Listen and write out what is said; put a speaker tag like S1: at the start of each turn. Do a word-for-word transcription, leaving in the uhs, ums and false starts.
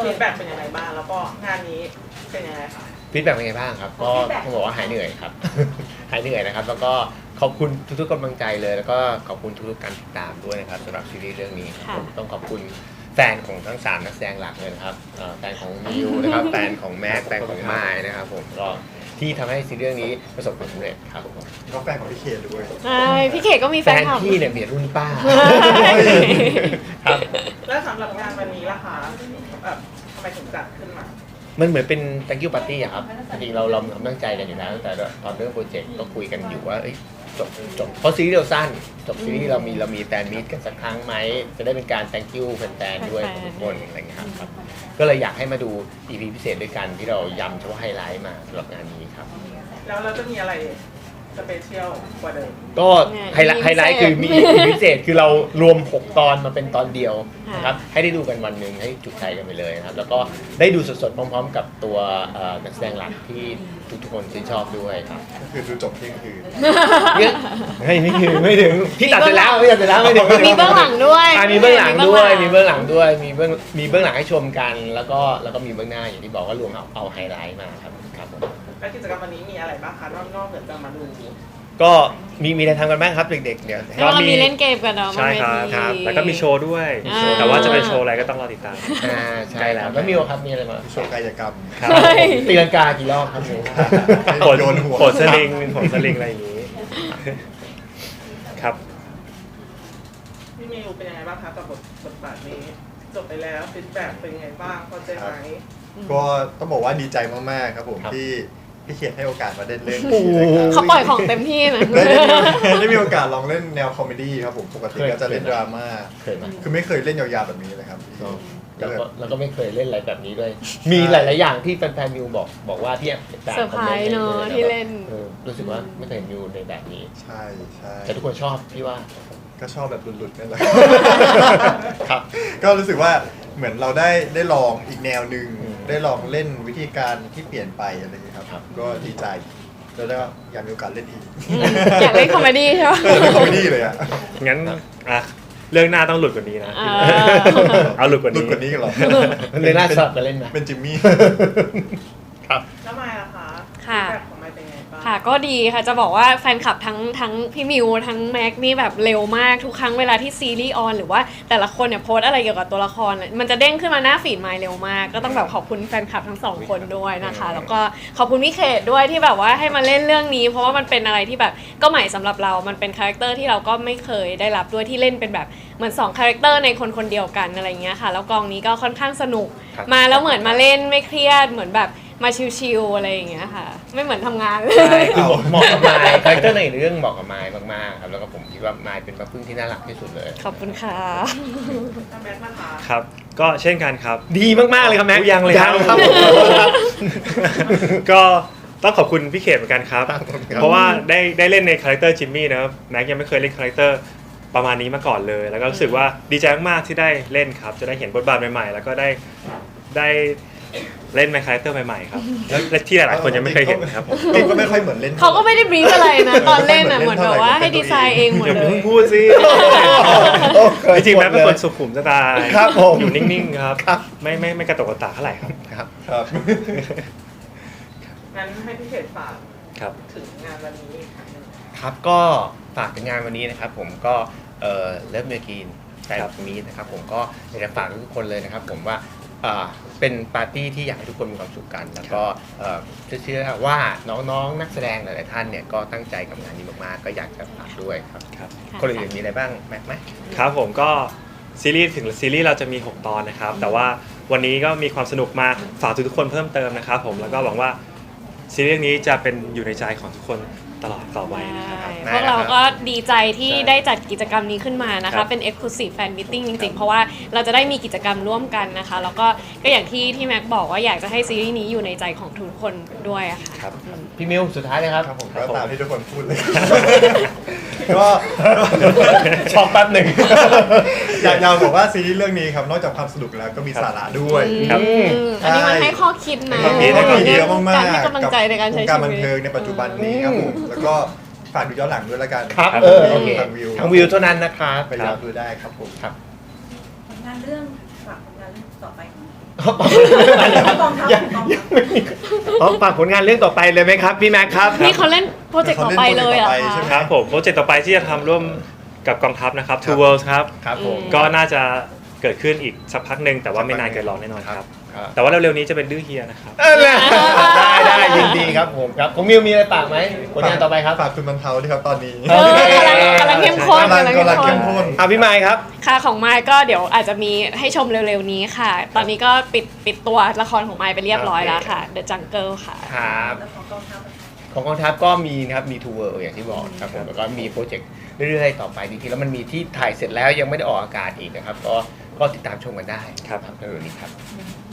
S1: ฟีดแบ็กเป็นยังไงบ้างแล้วก็งานนี้เป็นยังไงคะ
S2: ฟีดแบ็กเป็นไงบ้างครับก็ต้องบอกว่าหายเหนื่อยครับ หายเหนื่อยนะครับแล้วก็ขอบคุณทุกๆกำลังใจเลยแล้วก็ขอบคุณทุกๆการติดตามด้วยนะครับสำหรับซีรีส์เรื่องนี้ผมต้องขอบคุณแฟนของทั้งสามนักแสดงหลักเลยนะครับแฟนของมิวนะครับแฟนของแม็กแฟนของไมค์นะครับผมก็ที่ทำให้ซีรีส์เรื่องนี้ประสบความสำเร็จครับผม
S3: ก็แฟนของพี่เคด้วย
S4: ใช่พี่เคก็มีแฟนคลับ
S2: พี่เนี่ยเบียดรุ่นป้าครับ
S1: แล้วสำหรับงานวันนี้ล่ะคะแบบทำไมถึงจัดขึ้นมา
S2: มันเหมือนเป็น thank you party อะครับจริงๆเราเราตั้งใจกันอยู่แล้วตั้งแต่ตอนเรื่องโปรเจกต์ก็คุยกันอยู่ว่าจบจบเพราะซีรีส์เราสั้นจบซีรีส์เรามีเรามีแฟนมีตกันสักครั้งไหมจะได้เป็นการ thank you แฟนๆด้วยทุกคนอะไรอย่างเงี้ยครับก็เลยอยากให้มาดู อี พี พิเศษด้วยกันที่เราย้ำเฉพาะไฮไลท์มาสำหรับงานนี้ครับ
S1: แล้วเราจะมีอะไรสเปเชียลกว่าเดิม
S2: ก็ไฮไลท์ไฮไลท์คือมี อี พี พิเศษคือเรารวมหกตอนมาเป็นตอนเดียวนะครับให้ได้ดูกันวันหนึ่งให้จุใจกันไปเลยนะครับแล้วก็ได้ดูสดๆพร้อมๆกับตัวนักแสดงหลักที่ทุกๆคนชื่นชอบด้วยครับ
S3: ก็คือดูจบเที่ยงคืน
S2: ไม่ไม่ถึงไม่ถึงพี่ตัดเสร็จแล้วพี่ตัดเสร็จแล้วไม่ถึง
S4: มีเบื้องหลังด้วย
S2: มีเบื้องหลังด้วยมีเบื้องหลังด้วยมีเบื้องมีเบื้องหลังให้ชมกันแล้วก็แล้วก็มีเบื้องหน้าอย่างที่บอกว่ารวมเอาเอาไฮไลท์มาครับครับผม
S1: แล้วกิจกรรมวันนี้มีอะไรบ้างคะนอกเหนือจากมาดู
S2: ก็มีมีอะไรทำกันบ้างครับเด็กๆเนี่ย
S4: ก็มีเล่นเกมกันเนาะ
S5: ใช่ครับแล้วก็มีโชว์ด้วยแต่ว่าจะเป็นโชว์อะไรก็ต้องรอติดตาม
S2: อ่าใช่แล้วแล้วมีครับมีอะไรมา
S3: โชว์กายกรรม
S2: ตีลังกากี่รอบครับ
S5: โผล่โผล่สลิงโผล่สลิงอะไรอย่างนี้ครับ
S1: พี่มิวเป็นยังไงบ้างคะกับบทบทบาทนี้จบไปแล้วฟีดแบ็กเป็นยังไงบ้างพอใจไหม
S3: ก็ต้องบอกว่าดีใจมากๆครับผมที่พี่เขียนให้โอกาสมาเล่นเรื่อง
S4: นี้นะครับเขาปล่อยของเต็มที่นะ
S3: ได้มีโอกาสลองเล่นแนวคอมเมดี้ครับผมปกติก็จะเล่นดราม่าคือไม่เคยเล่นยาวๆแบบนี้เลยครับ
S2: แล้วก็แล้วก็ไม่เคยเล่นอะไรแบบนี้ด้วยมีหลายๆอย่างที่แฟนๆมิวบอกบอกว่าที่
S4: เซอร์ไพรส์เนาะที่เล่น
S2: รู้สึกว่าไม่เคยเห็นมิวในแบบนี้
S3: ใช่ใช่
S2: แต่ทุกคนชอบพี่ว่า
S3: ก็ชอบแบบหลุดๆนั่นแหละ
S2: ครับ
S3: ก็รู้สึกว่าเหมือนเราได้ได้ลองอีกแนวหนึ่งได้ลองเล่นวิธีการที่เปลี่ยนไปอะไรอย่างนี้ครับก็ดีใจแล้วก็อยากมีโอกาสเล่นอีก
S4: อยากเล่นคอมเมดี้ใช่ไหม
S3: เล่นคอมเมดี้เลยอ่ะ
S5: งั้นอ่ะเรื่องหน้าต้องหลุดกว่านี้นะเอาหลุดกว่านี้
S3: หลุดกว่านี้กันหรอ
S2: เรื่องหน้าสลับกันเล่นนะ
S3: เป็นจิมมี่
S2: ครับ
S1: แล้วมายล่ะคะ
S4: ค่ะค่ะก็ดีค่ะจะบอกว่าแฟนคลับทั้งทั้งพี่มิวทั้งแม็กนี่แบบเร็วมากทุกครั้งเวลาที่ซีรีส์ออนหรือว่าแต่ละคนเนี่ยโพสอะไรเกี่ยวกับตัวละครมันจะเด้งขึ้นมาหน้าฟีดมาเร็วมากก็ต้องแบบขอบคุณแฟนคลับทั้งสองคนด้วยนะคะแล้วก็ขอบคุณพี่เขตด้วยที่แบบว่าให้มาเล่นเรื่องนี้เพราะว่ามันเป็นอะไรที่แบบก็ใหม่สำหรับเรามันเป็นคาแรคเตอร์ที่เราก็ไม่เคยได้รับด้วยที่เล่นเป็นแบบเหมือนสองคาแรคเตอร์ในคนคนเดียวกันอะไรเงี้ยค่ะแล้วกองนี้ก็ค่อนข้างสนุกมาแล้วเหมือนมาเล่นไม่เครียดเหมือนแบบมาชิวๆอะไรอย่างเงี้ยค่ะไม่เหมือนทำงานเลย
S2: ใช่คือเหมาะกับไมค์คาแรคเตอร์ในเรื่องเหมาะกับไมค์มากๆครับแล้วก็ผมคิดว่าไมค์เป็นมาพึ่งที่น่ารักที่สุดเลย
S4: ขอบคุณค่ะ
S1: แม็กนะคะ
S5: ครับก็เช่นกันครับ
S2: ดีมากๆเลยครับแม็ก
S5: ยังเลย
S2: ครับ
S5: ก็ต้องขอบคุณพี่เขตเหมือนกันครับเพราะว่าได้ได้เล่นในคาแรคเตอร์จิมมี่นะครับแม็กยังไม่เคยเล่นคาแรคเตอร์ประมาณนี้มาก่อนเลยแล้วก็รู้สึกว่าดีใจมากๆที่ได้เล่นครับจะได้เห็นบทบาทใหม่ๆแล้วก็ได้ได้เล่นในคาแรคเตอร์ใหม่ๆครับและที่หลายๆคนยังไม่เคยเห็นครับผม
S3: ก็ไม่ค่อยเหมือนเล่น
S4: เขาก็ไม่ได้บรีฟอะไรนะตอนเล่นน่ะเหมือนแบบว่าให้ดีไซน์เองหมดเลย
S5: เพิ่งพูดสิจริงๆแม็กเป็นคนสุขุมสไตล์อยู่นิ่งๆครับไม่ไม่ไม่กระตุกกระตากเท่าไหร่ครับ
S2: ครับ
S3: ครับ
S1: งั้นให้พี่เขตฝากถึงงานวันนี้
S2: ครับก็ฝากถึงงานวันนี้นะครับผมก็เอ่อเลิฟเมอร์กีนแต่ตรงนี้นะครับผมก็อยากจะฝากทุกคนเลยนะครับผมว่าเป็นปาร์ตี้ที่อยากให้ทุกคนมีความสุขกันแล้วก็เชื่อว่าน้องๆนักแสดงหลายๆท่านเนี่ยก็ตั้งใจกับงานนี้มากๆก็อยากจะฝากด้วยครับคนอื่นมีอะไรบ้างแม็กไหม
S5: ครับผมก็ซีรีส์ถึงซีรีส์เราจะมีหกตอนนะครับแต่ว่าวันนี้ก็มีความสนุกมาฝากทุกๆคนเพิ่มเติมนะครับผมแล้วก็หวังว่าซีรีส์นี้จะเป็นอยู่ในใจของทุกคนตลอดต่อไปนะครับ
S4: พวกเราก็ดีใจที่ได้จัดกิจกรรมนี้ขึ้นมานะคะเป็น Exclusive Fan Meeting จริงๆเพราะว่าเราจะได้มีกิจกรรมร่วมกันนะคะแล้วก็ก็อย่างที่ที่แม็กบอกว่าอยากจะให้ซีรีส์นี้อยู่ในใจของทุกคนด้วยค่ะ
S2: ครับพี่มิวสุดท้ายเลยครับ
S3: ครับผมก็ตามที่ทุกคนพูดเลยก็
S2: ช็อกแป๊บหนึ่ง
S3: อยากจะบอกว่าซีรีส์เรื่องนี้ครับนอกจากความสนุกแล้วก็มีสาระด้วย
S4: ครับอันนี้มันให้ข้อคิดนะ
S3: มีเยอะมากๆ
S4: การให้กำลังใจในการใช้ชีวิต
S3: การบันเทิงในปัจจุบันนี้ครับผมแล้วก็ฝากดูย้อนหลังด้วยละกัน
S2: ครับเออโอเคทางวิวทางวิวเท่านั้นนะครับ
S3: ไปย้อนดูได้ครับผม
S2: ครับ
S1: งานเรื่องฝากงานเรื่อง
S6: ต่อไป
S2: กองทัพยังไม่มีอ๋อฝากผลงานเรื่องต่อไปเลยไหมครับพี่แม็กครับ
S4: นี่เขาเล่นโปรเจกต์ต่อไปเลยเหรอ
S3: เขาเล่นโปรเจกต์ต่อไปใช่ไหม
S4: คะ
S5: ครับผมโปรเจกต์ต่อไปที่จะทำร่วมกับกองทัพนะครับ Two Worlds ครับ
S2: ครับผม
S5: ก็น่าจะเกิดขึ้นอีกสักพักหนึ่งแต่ว่าไม่นานเกินรอแน่นอนครับ
S2: ครับ
S5: แต่ว่าเร็วๆนี้จะเป็นดื้อเฮียนะครับ
S2: เออได้ได้ยินดีครับผมครับผมมิวมีอะไรฝากไหมผลงานต่อไปครับ
S3: ฝากคุณบรรเทาด้วยครับตอนนี้
S4: เออกำลังกำลังเข้มข้น
S3: กำลัง
S4: กำลัง
S3: กำลัง
S4: เข้
S3: เข้
S4: ม
S3: ม
S4: ข้น
S3: ข้น
S2: อ่ะพี่ไมค์ครับ
S4: ค่ะของไมค์ก็เดี๋ยวอาจจะมีให้ชมเร็วๆนี้ค่ะ ตอนนี้ก็ปิดปิดตัวละครของไมค์ไปเรียบร้อยแล้วค่ะ The Jungle ค่ะ
S2: ครับ
S6: แล้วของกองทัพ
S2: ของกองทัพก็มีนะครับมีทูเวอร์อย่างที่บอกครับผมแล้วก็มีโปรเจกต์เรื่อยๆต่อไปจริงๆแล้วมันมีที่ถ่ายเสร็จแล้วยังไม่ได้ออกอากาศอีกนะครับก็ก็ติดตามชมกันได้
S5: ครับ
S2: ในเรื่องนี้ครับ
S6: อ